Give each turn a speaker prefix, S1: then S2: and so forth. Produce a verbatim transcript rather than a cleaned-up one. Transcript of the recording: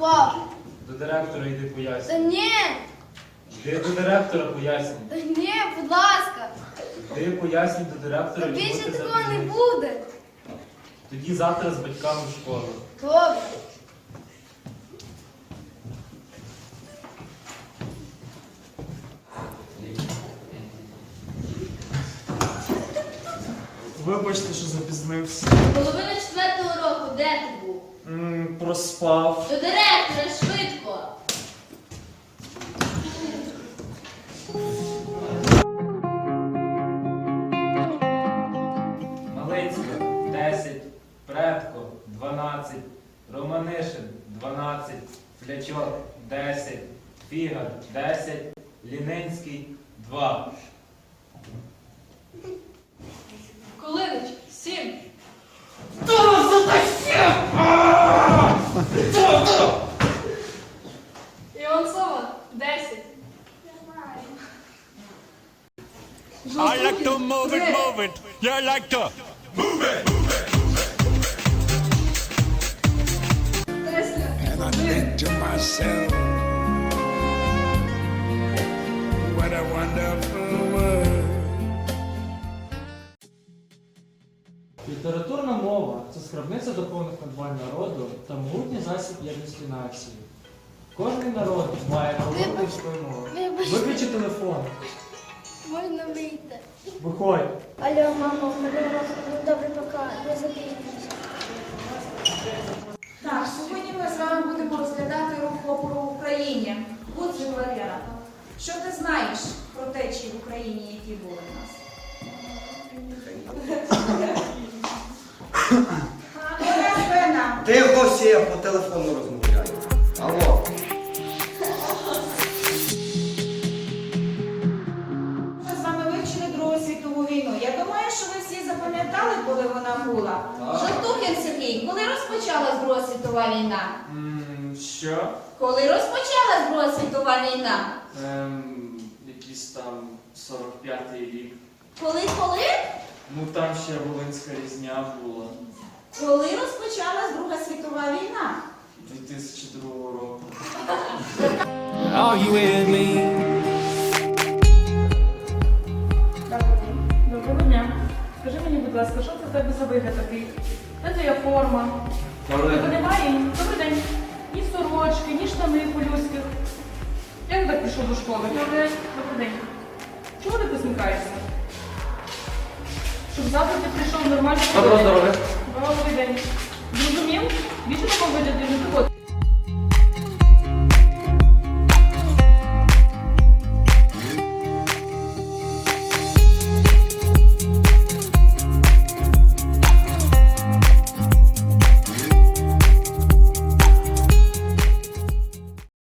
S1: Пап.
S2: До директора йди
S1: Та
S2: пояснюй.
S1: ні.
S2: Йди до директора пояснюй.
S1: Та ні, будь ласка.
S2: Йди пояснюй до
S1: Та
S2: директора, чому
S1: більше
S2: ти
S1: такого не
S2: запізнився.
S1: буде.
S2: Тоді завтра з батьками в школу.
S1: Добре.
S3: Вибачте, що запізнився.
S4: Половина четвертого року, де ти був?
S3: М, проспав.
S4: До директора, швидко!
S2: Малицька десять, Предко дванадцять, Романишин дванадцять, Флячок десять, Фігар десять, Лінинський два.
S4: Колинич, сім. Іванцова, десять.
S5: I like to move it, move it. You like to And I think to myself, what a wonderful world.
S3: Літературна мова це скарбниця духовних надбань народу та могутній засіб єдності нації. Кожен народ має говорити свою мову.
S1: Вибачте.
S3: Виключи телефон.
S1: Можна вийти.
S3: Виходь.
S1: Алло, мамо, мене розповідь. Добре, пока. Не запізнюйся.
S6: Так, сьогодні ми з вами будемо розглядати рух опору в Україні. Отже, Валера, що ти знаєш про течії в Україні, які були в нас? Оля Свена,
S7: Тихо всі, я по телефону розмовляю. Алло.
S6: ми з вами вивчили Другу світову війну. Я думаю, що ви всі запам'ятали, коли вона була. Жовтухин Сергій, коли розпочалась Друга світова війна?
S3: М, Що?
S6: Коли розпочалась Друга світова війна?
S3: Ем, якийсь там сорок п'ятий рік.
S6: Коли, коли?
S3: Ну там ще Волинська різня була.
S6: Коли розпочалась Друга світова війна?
S3: дві тисячі другого року.
S5: Are you with me?
S8: Доброго дня. Скажи мені, будь ласка, що це в тебе за вигляд такий? Де твоя форма? Тебе немає? Добрий день. Ні сорочки, ні штани по-людських. Як ти так прийшов до школи? Добрий день. Добрий день. Чому ти посміхаєшся? Щоб завтра ти прийшов нормально.
S3: Доброго здоров'я.
S8: Добрий день. Зрозумів? Більше такого вигляду не виходить.